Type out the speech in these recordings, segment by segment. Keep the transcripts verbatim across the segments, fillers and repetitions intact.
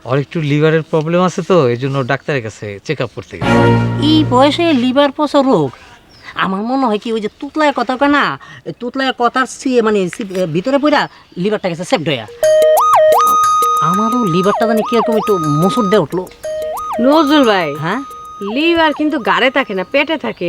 ওর একটু লিভারের প্রবলেম আছে তো এই জন্য ডাক্তারের কাছে চেক আপ করতে গেছে। এই বয়সে লিভার পচা রোগ আমার মনে হয় কি ওই যে তুতলায় কথা কয় না, ওই তুতলায় কথার সি- মানে সি- ভিতরে পড়া লিভারটা গেছে সেফ হইয়া। আমারও লিভারটা জানি কিরকম একটু মসুর দিয়ে উঠলো। নজরুল ভাই, হ্যাঁ লিভার কিন্তু গাড়ে থাকে না, পেটে থাকে।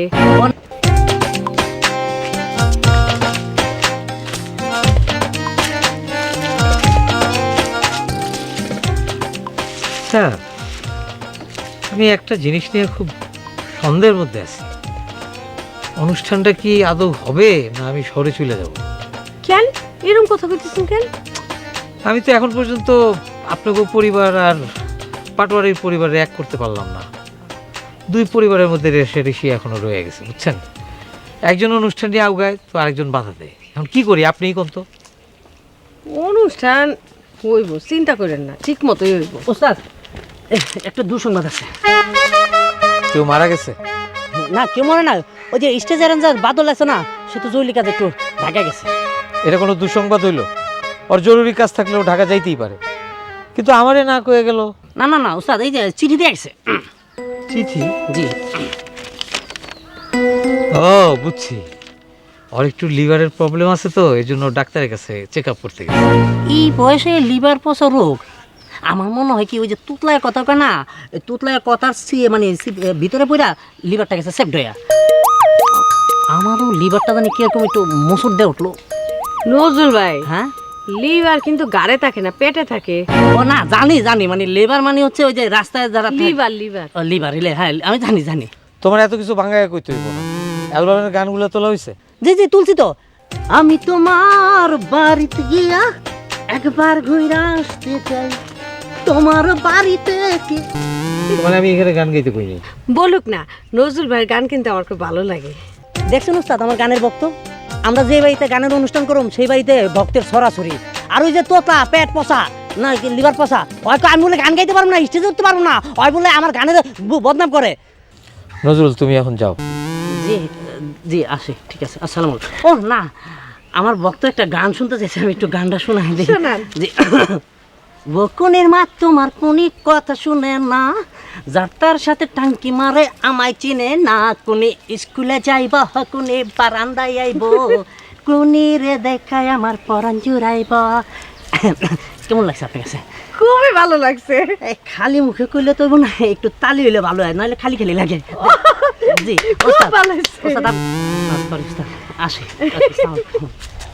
স্যার, আমি একটা জিনিস নিয়ে খুব সন্দেহের মধ্যে আছি। অনুষ্ঠানটা কি আদৌ হবে না আমি শহরে চলে যাব? কেন এরকম কথা কইতেছেন কেন? আমি তো এখন পর্যন্ত আপনাকে পরিবার আর পাটোয়ারির পরিবারে এক করতে পারলাম না। দুই পরিবারের মধ্যে রেষারেষি এখনো রয়ে গেছে, বুঝছেন? একজন অনুষ্ঠান নিয়ে আউগায় তো আরেকজন বাধা দেয়। এখন কি করি আপনিই কোন তো। অনুষ্ঠান হইব, চিন্তা করেন না, ঠিক মতোই হইব। ওস্তাদ এ- একটা দুঃসংবাদ আছে। কেউ মারা গেছে? না কেউ মনে না, ওই যে স্টেজ অ্যারেঞ্জার বাদল আছে না, সে তো জৈলিক কাজে একটু ঢাকা গেছে। এটা কোনো দুঃসংবাদ হইল? ওর জরুরি কাজ থাকলেও ঢাকা যাইতেই পারে, কিন্তু আমারে না কয়ে গেল। না না না ওস্তাদ, এই যে চিঠি দিয়ে আসছে। চিঠি? জি ও বুঝছি, ওর একটু লিভারের প্রবলেম আছে তো এই জন্য ডাক্তারের কাছে চেক আপ করতে গেছে। এই বয়সে লিভার পচা রোগ আমার মনে হয় কি ওই যে তুতলায় কথা কয় না, ওই তুতলায় কথার সি- মানে সি- ভিতরে পড়া লিভারটা গেছে সেফ হইয়া। আমারও লিভারটা জানি কিরকম একটু মসুর দিয়ে উঠলো। নজরুল ভাই, হ্যাঁ লিভার কিন্তু গাড়ে থাকে না, পেটে থাকে। ও না জানি জানি, মানে লিভার মানে হচ্ছে ওই যে রাস্তায় যারা লিভার লিভার লিভার হ্যাঁ আমি জানি জানি। তোমার এত কিছু ভাঙায় কইতে হইব না। অ্যালবামের গানগুলো তোলা হয়েছে? জি জি তুলছি তো। আমি তোমার বাড়িতে গিয়া একবার ঘুরে আসতে চাই, তোমার বাড়িতে কি। মানে আমি এখানে গান গাইতে কইনি। বলুক না, নজরুল ভাইয়ের গান কিন্তু আমার খুব ভালো লাগে। দেখছেন উস্তাদ আমার গানের ভক্ত, আমরা যে বাড়িতে গানের অনুষ্ঠান করুম সেই বাড়িতে ভক্তের ছড়াছড়ি। আর ওই যে তোতা পেট পচা না লিভার পচা, হয়তো আমি বলে গান গাইতে পারবো না, স্টেজে উঠতে পারবো না, হয় বলে আমার গানের ব- বদনাম করে। নজরুল তুমি এখন যাও। জি জি আসি, ঠিক আছে, আসসালামু আলাইকুম। ও না, আমার ভক্ত একটা গান শুনতে চাইছে, আমি একটু গানটা শোনাই দিই। শোনান। জি বকুনের মা তোমার কোনি কথা শুনে না, যার তার সাথে টাঙ্কি মারে আমায় চিনে না, কোনি স্কুলে যাইব কোনি বারান্দায় আইব, কোনি রে দেখায় আমার পরাণ জুড়াইব। কেমন লাগছে আপনার কাছে? খুবই ভালো লাগছে। এই খালি মুখে কইলে তো না, একটু তালি হইলে ভালো হয়, নাহলে খালি খালি লাগে। জি খুব ওস্তাদ, ভালো হয়েছে। ওস্তাদ আপ- আ, sorry, ওস্তাদ, আসি। আসসালামু আলাইকুম।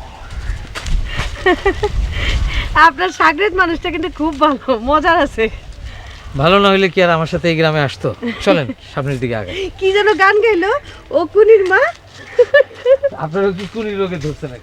আপনার সাগরেদ মানুষটা কিন্তু খুব ভালো, মজার আছে। ভালো না হইলে কি আর আমার সাথে এই গ্রামে আসতো? চলেন সামনের দিকে আগে। কি যেন গান গাইলো, ও কুনির মা। আপনারা কি কুড়ি রোগে ধরছে নাকি?